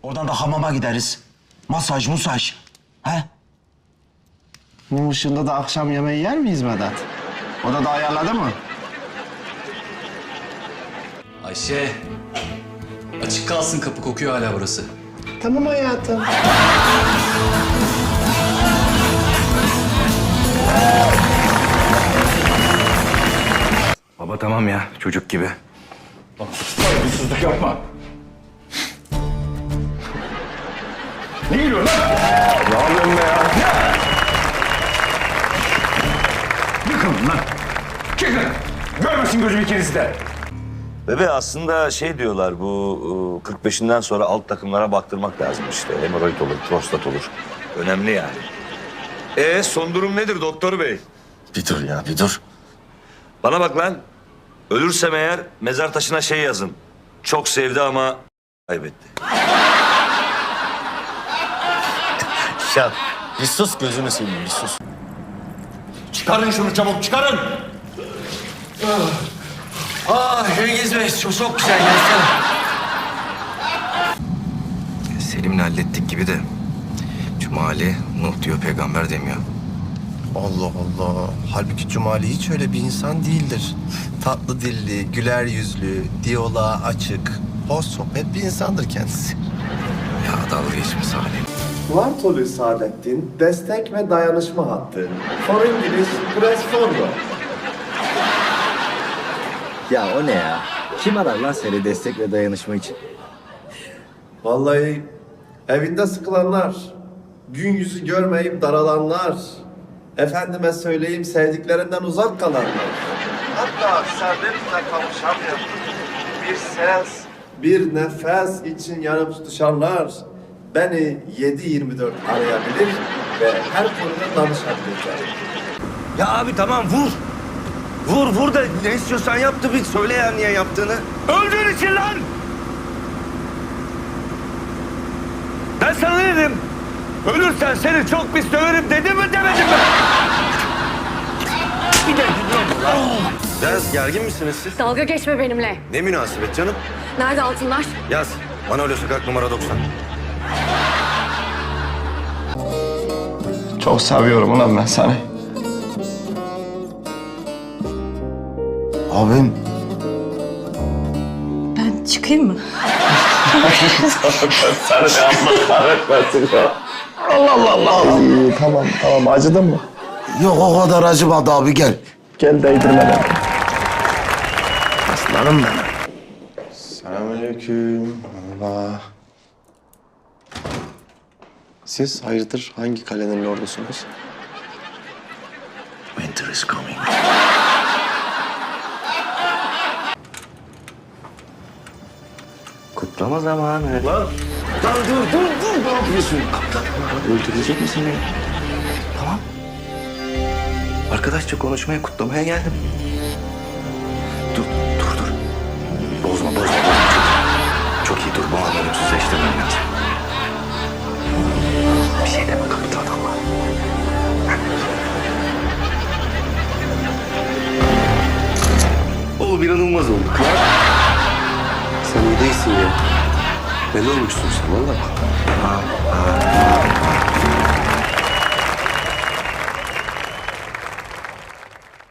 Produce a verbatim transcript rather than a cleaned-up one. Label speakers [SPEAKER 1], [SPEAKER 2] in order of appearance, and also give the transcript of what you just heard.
[SPEAKER 1] Oradan da hamama gideriz. Masaj, musaj. He?
[SPEAKER 2] Mum ışığında da akşam yemeği yer miyiz Vedat? O da da ayarladı mı?
[SPEAKER 3] Ayşe. Açık kalsın, kapı kokuyor hala burası.
[SPEAKER 2] Tamam hayatım.
[SPEAKER 4] Baba tamam ya, çocuk gibi.
[SPEAKER 5] Saygısızlık yapma. Ne gülüyorsun lan? Ne yapıyorsun be ya? Yıkılın lan. Çıkın. Görmesin gözüm ikinizi de.
[SPEAKER 6] Bebe aslında şey diyorlar bu kırk beşinden sonra alt takımlara baktırmak lazım işte. Hemoroid olur, prostat olur. Önemli yani. Ee son durum nedir doktor bey?
[SPEAKER 1] Bir dur ya, bir dur.
[SPEAKER 6] Bana bak lan. Ölürsem eğer mezar taşına şey yazın. Çok sevdi ama kaybetti.
[SPEAKER 1] Ya bir sus, gözünü seveyim, bir sus.
[SPEAKER 5] Çıkarın şunu çabuk, çıkarın.
[SPEAKER 1] Ah Cengiz Bey, çok, çok güzel gelsene.
[SPEAKER 4] Selim'le hallettik gibi de Cumali Nuh diyor, peygamber demiyor.
[SPEAKER 7] Allah Allah. Halbuki Cumali hiç öyle bir insan değildir. Tatlı dilli, güler yüzlü, diyaloğa açık, hoş sohbet bir insandır kendisi.
[SPEAKER 4] Ya dalga geçme Salim.
[SPEAKER 8] Vartolu Saadettin destek ve dayanışma hattı. For İngiliz, press forward.
[SPEAKER 9] Ya o ne ya? Kim arar lan seni destek ve dayanışma için?
[SPEAKER 8] Vallahi evinde sıkılanlar, gün yüzü görmeyip daralanlar, efendime söyleyeyim sevdiklerinden uzak kalanlar. Hatta servetle kavuşamayan bir ses, bir nefes için yanıp tutuşanlar beni yedi yirmi dört arayabilir ve her konuda danışabilirler.
[SPEAKER 6] Ya abi tamam vur. Vur vur da ne istiyorsan yap da bir söyle ya niye yaptığını. Öldüğün için lan! Ben sana ne dedim? Ölürsen seni çok pis döverim dedim mi demedim mi? Bir de
[SPEAKER 7] Biraz gergin misiniz siz?
[SPEAKER 10] Dalga geçme benimle.
[SPEAKER 7] Ne münasebet canım?
[SPEAKER 10] Nerede altınlar?
[SPEAKER 7] Yaz. Manolya Sokak numara doksan.
[SPEAKER 2] Çok seviyorum ulan ben seni.
[SPEAKER 1] Abim.
[SPEAKER 10] Ben çıkayım mı?
[SPEAKER 2] Allah Allah Allah. İyi, tamam tamam acıdın mı?
[SPEAKER 1] Yok o kadar acımadı abi, gel.
[SPEAKER 2] Gel değdirme beni. Aslanım benim. Selamünaleyküm. Allah. Siz hayırdır hangi kalenin lordusunuz?
[SPEAKER 1] Winter is coming.
[SPEAKER 9] Kutlama zamanı.
[SPEAKER 2] Lan dur dur dur ne yapıyorsun?
[SPEAKER 9] Öldürecek misin beni? Tamam. Arkadaşça konuşmaya, kutlamaya geldim. Dur, dur, dur. Bozma, bozma, bozma. Çok iyi, çok iyi dur. Bu an ölümsüzleştirmem lazım. Bir şey deme kaptan Allah. Oğlum inanılmaz olduk ya.
[SPEAKER 7] Sen iyi değilsin ya. Ne olmuşsun sen valla?
[SPEAKER 9] Tamam, tamam.